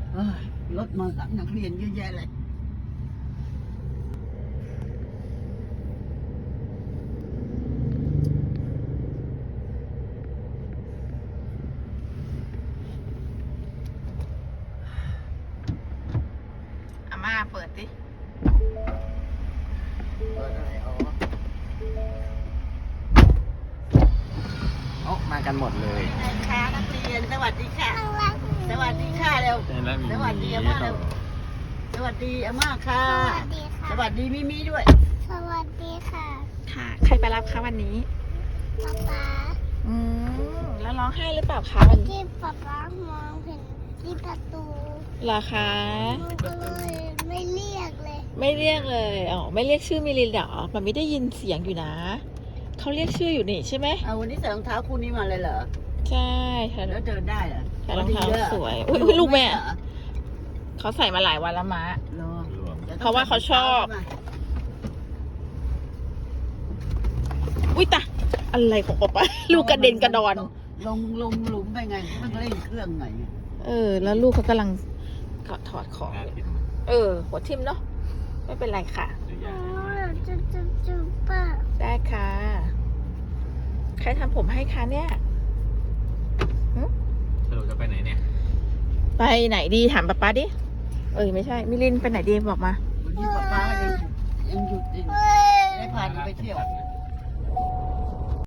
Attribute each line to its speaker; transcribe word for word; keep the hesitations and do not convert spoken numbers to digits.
Speaker 1: เอ้ยรถมารับนักเรียนเยอะแยะเลย
Speaker 2: อาม่าเปิดดิ
Speaker 1: เปิดอะไรอ๋อ
Speaker 3: โอ้มากันหมดเลย
Speaker 1: ไงคะนักเรียนสวัสดีค่ะ สวัสดีค่ะเร็ว สวัสดีอาม่าเร็ว สวัสดีอาม่าค่ะ
Speaker 4: สวัสดีค่ะ
Speaker 1: สวัสดีมิมิด้วย
Speaker 4: สวัสดีค่ะ
Speaker 2: ค่ะ ใครไปรับคะวันนี้
Speaker 4: ป๊าป๊า
Speaker 2: อืมแล้วร้องไห้หรือเปล่าคะวันนี้
Speaker 4: ที่ป๊าป๊ามองเห็นที่ประตู
Speaker 2: เหรอคะ
Speaker 4: หนูก็เลยไม่เรียกเลย
Speaker 2: ไม่เรียกเลยอ๋อไม่เรียกชื่อมิลินเหรอมันไม่ได้ยินเสียงอยู่นะเขาเรียกชื่ออยู่นี่ใช่ไหม
Speaker 1: เอาวันนี้ใส่รองเท้าคู่นี้มาเลยเหรอ
Speaker 2: ใช่ค่ะ
Speaker 1: แล้วเดินได้เหรอ
Speaker 2: ใส่รองเท้า
Speaker 1: ดีด้
Speaker 2: สวยอุ๊ยอุ๊ยลูกแม่
Speaker 1: เหรอ
Speaker 2: เขาใส่มาหลายวันแล้วมะ
Speaker 1: เหรอดี๋ย
Speaker 2: เพราะว่าเขาชอบ
Speaker 1: ใส่รองเท้า
Speaker 2: อุ้ยตาอะไรของป๊าป๊าลูกกระเด็นกระดอน
Speaker 1: ลงลงหลุมไปไงมันเร่งเครื่องไง
Speaker 2: เออ แล้วลูกเขากำลังกถอดของอยู่เออ หัวทิ่มเนาะไม่เป็นไรค่ะ
Speaker 4: อ๋อจุ๊บจุ๊บจุ๊บป้า
Speaker 2: ได้ค่ะ ใครทำผมให้คะเนี่ย
Speaker 3: สรุปจะไปไหนเนี่ย
Speaker 2: ไปไหนดีถามป๊าป๊าดิ เอ้ยไม่ใช่ มิลินไปไหนดีบอกมา
Speaker 1: วันนี้ป๊าป๊ายังยังหยุดอยู่
Speaker 4: เฮ้ย
Speaker 1: ได้พาหนูไปเที่ยว
Speaker 3: ไง